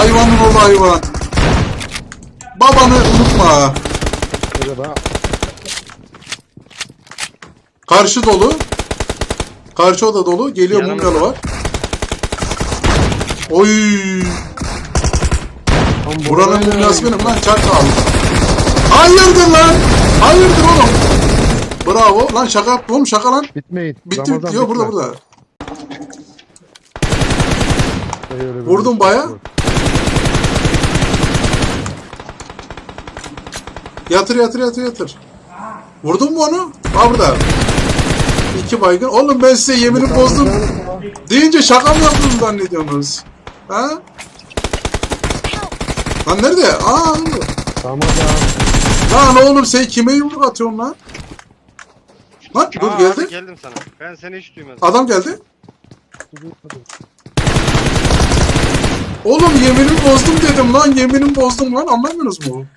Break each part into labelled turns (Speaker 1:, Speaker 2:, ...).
Speaker 1: Hayvanın oğlu hayvan. Babanı unutma.
Speaker 2: Merhaba.
Speaker 1: Karşı dolu. Karşı oda dolu. Geliyor
Speaker 3: Yanımda.
Speaker 1: bungalı var. Oy. Buranın mumyası benim lan, çakal. Hayırdır lan? Hayırdır oğlum? Bravo. Lan şaka yaptım oğlum, şaka lan.
Speaker 2: Bitmeyin.
Speaker 1: Bitti
Speaker 2: Ramazan
Speaker 1: bitti. Yok
Speaker 2: bitme.
Speaker 1: burada.
Speaker 2: Öyle böyle
Speaker 1: Vurdum baya. Yatır. Vurdun mu onu? Ha burada. 2 baygın. Oğlum ben size yemini bozdum. Deyince şaka mı yaptınız zannediyorsunuz? Ha? Lan nerede? Aa.
Speaker 2: Ramazan.
Speaker 1: Lan oğlum sen kime yumruk atıyorsun lan? Lan dur
Speaker 3: Aa,
Speaker 1: geldi.
Speaker 3: abi geldim sana. Ben seni hiç duymadım.
Speaker 1: Adam geldi. Oğlum yeminimi bozdum dedim lan. Yeminimi bozdum lan. Anlamıyorsunuz mu?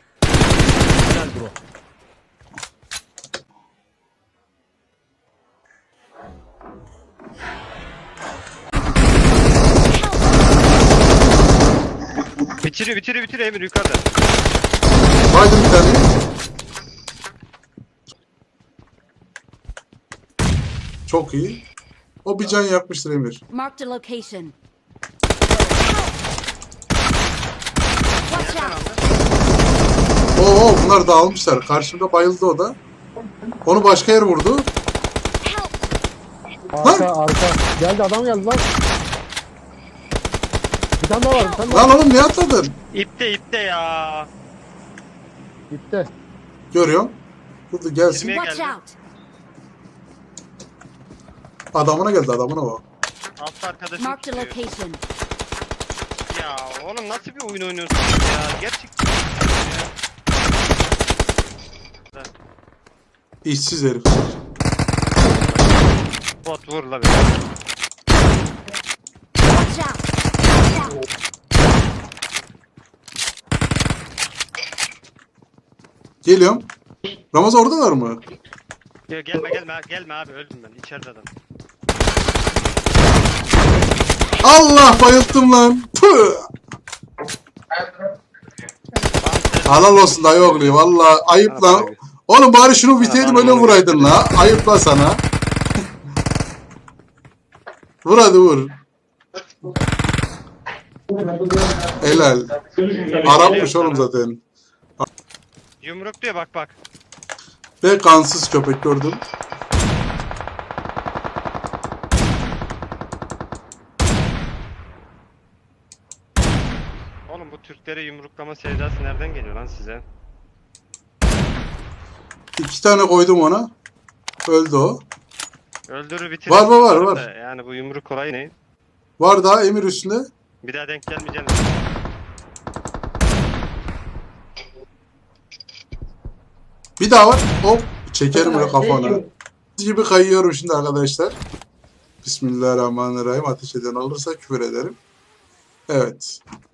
Speaker 3: Bitiriyor Emir yukarıda.
Speaker 1: Baydım bir tane. Çok iyi. O bir can yakmıştır Emir.
Speaker 4: Marked a location. Watch out!
Speaker 1: Oo bunlar dağılmışlar. Karşımda bayıldı o da. Onu başka yer vurdu.
Speaker 2: Arka. Geldi adam geldi lan. Bir tane daha var. Bir tane daha
Speaker 1: Lan
Speaker 2: var.
Speaker 1: oğlum niye atladın?
Speaker 3: İpte ya.
Speaker 2: Gitti.
Speaker 1: Görüyorum. Burada gelsin.
Speaker 3: Yirmiye
Speaker 4: Watch
Speaker 3: geldi.
Speaker 4: out!
Speaker 1: Adamına geldi, adamına bak.
Speaker 3: Alt arkadaşım
Speaker 4: Marked a
Speaker 3: tutuyor.
Speaker 4: location.
Speaker 3: Ya oğlum nasıl bir oyun oynuyorsunuz ya? Gerçekten. Ya.
Speaker 1: İşsiz herif.
Speaker 3: Bot vur la
Speaker 4: Watch out!
Speaker 1: Geliyorum. Ramazan oradalar mı?
Speaker 3: Ya gelme abi öldüm ben içeride adam.
Speaker 1: Allah bayılttım lan. Tüh. Halal olsun dayı oğlu. Valla ayıp lan. Oğlum bari şunu biteydim öyle vuraydın la. Ayıp la sana. Vur hadi vur. Helal. Arapmış oğlum zaten.
Speaker 3: Yumruk diyor bak.
Speaker 1: Ve kansız köpek gördüm.
Speaker 3: Oğlum bu Türklere yumruklama sevdası nereden geliyor lan size?
Speaker 1: 2 tane koydum ona. Öldü o.
Speaker 3: Öldürür bitirir.
Speaker 1: Var.
Speaker 3: Da yani bu yumruk olayı ne?
Speaker 1: Var daha Emir üstünde.
Speaker 3: Bir daha denk gelmeyeceğim.
Speaker 1: Bir daha var. Hop. Çekerim böyle kafana. Gibi kayıyorum şimdi arkadaşlar. Bismillahirrahmanirrahim. Ateş eden olursa küfür ederim. Evet.